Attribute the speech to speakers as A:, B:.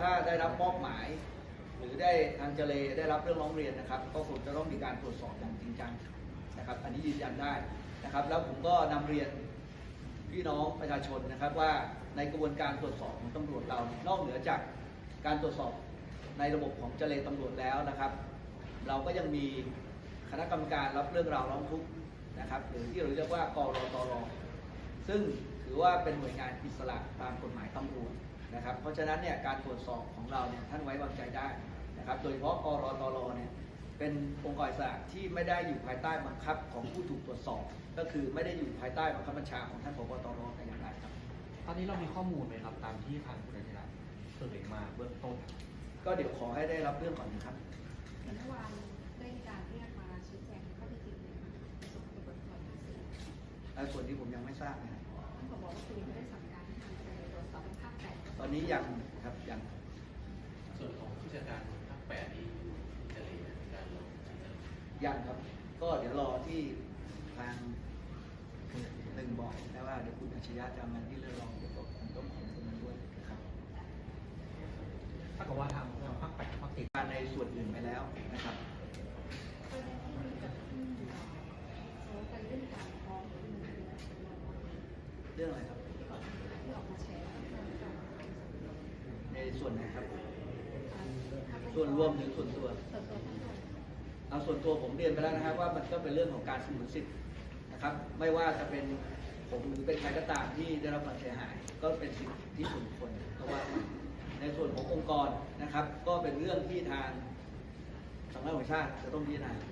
A: ถ้าได้รับมอบหมาย หรือได้ทางเจเลได้รับเรื่องร้องเรียนนะครับก็คงจะต้องมีการตรวจสอบอย่างจริงจังนะครับอันนี้ยืนยันได้นะครับแล้วผมก็นำเรียนพี่น้องประชาชนนะครับว่าในกระบวนการตรวจสอบของตำรวจเรานอกเหนือจากการตรวจสอบในระบบของเจเลตำรวจแล้วนะครับเราก็ยังมีคณะกรรมการรับเรื่องราวร้องทุกข์นะครับหรือที่เราเรียกว่ากรตร.ซึ่งถือว่าเป็นหน่วยงานอิสระตามกฎหมายตำรวจนะครับเพราะฉะนั้นเนี่ยการตรวจสอบของเราเนี่ยท่านไว้วางใจได้นะครับโดยเฉพาะกรตร.เนี่ยเป็นองค์กรอิสระที่ไม่ได้อยู่ภายใต้บังคับของผู้ถูกตรวจสอบก็คือไม่ได้อยู่ภายใต้บังคับบัญชาของท่านผบ.ตร.แต่อย่างใดครับ
B: ตอนนี้เรามีข้อมูลไหมครับตามที่ทางคุณอาชิระเปิดมาเบื้องต้น
A: ก็เดี๋ยวขอให้ได้รับเรื่องก่อนนะครับ
C: เมื่อวานได้มีการเรียกมาชี้แจงข้อเท็จจริงในส่วนของกฎหมาย
A: และส่วนที่ผมยังไม่ทราบนะครับ
C: ท่านบอกว่าคุณไม่ได้สั่งการให้ทางการตรวจสอบภาค8
A: ตอนนี้ยังครับยัง
B: ส่วนของผู้จัดการภาค8นี้จะเรียนการลง
A: ยังครับก็เดี๋ยวรอที่ทางหนึ่งบอกนะว่าเดี๋ยวคุณอัจฉริยะจะมาที่เรื่องรองเกี่ยวกับผมต้องของตรงนั้นด้วยนะครับ
B: ถ้ากับว่าทางภาค8ภาค10
A: การในส่วนอื่นไปแล้วนะครับ
C: ประเด็นที่มีกับเขาไปเรื่องการฟ้อง
A: เรื่องอะไรครับ
C: ที่ออกมาแชร์
A: ในส่วนไหนครับส่วนรวมหรือส่วนตัวเอาส่วนตัวผมเรียนไปแล้วนะครับว่ามันก็เป็นเรื่องของการสงวนสิทธิ์นะครับไม่ว่าจะเป็นผมหรือเป็นใครก็ตามที่ได้รับความเสียหายก็เป็นสิทธิส่วนบุคคลเพราะว่าในส่วนขององค์กรนะครับก็เป็นเรื่องที่ทางสำนักงานตำรวจแห่งชาติจะต้องพิจารณา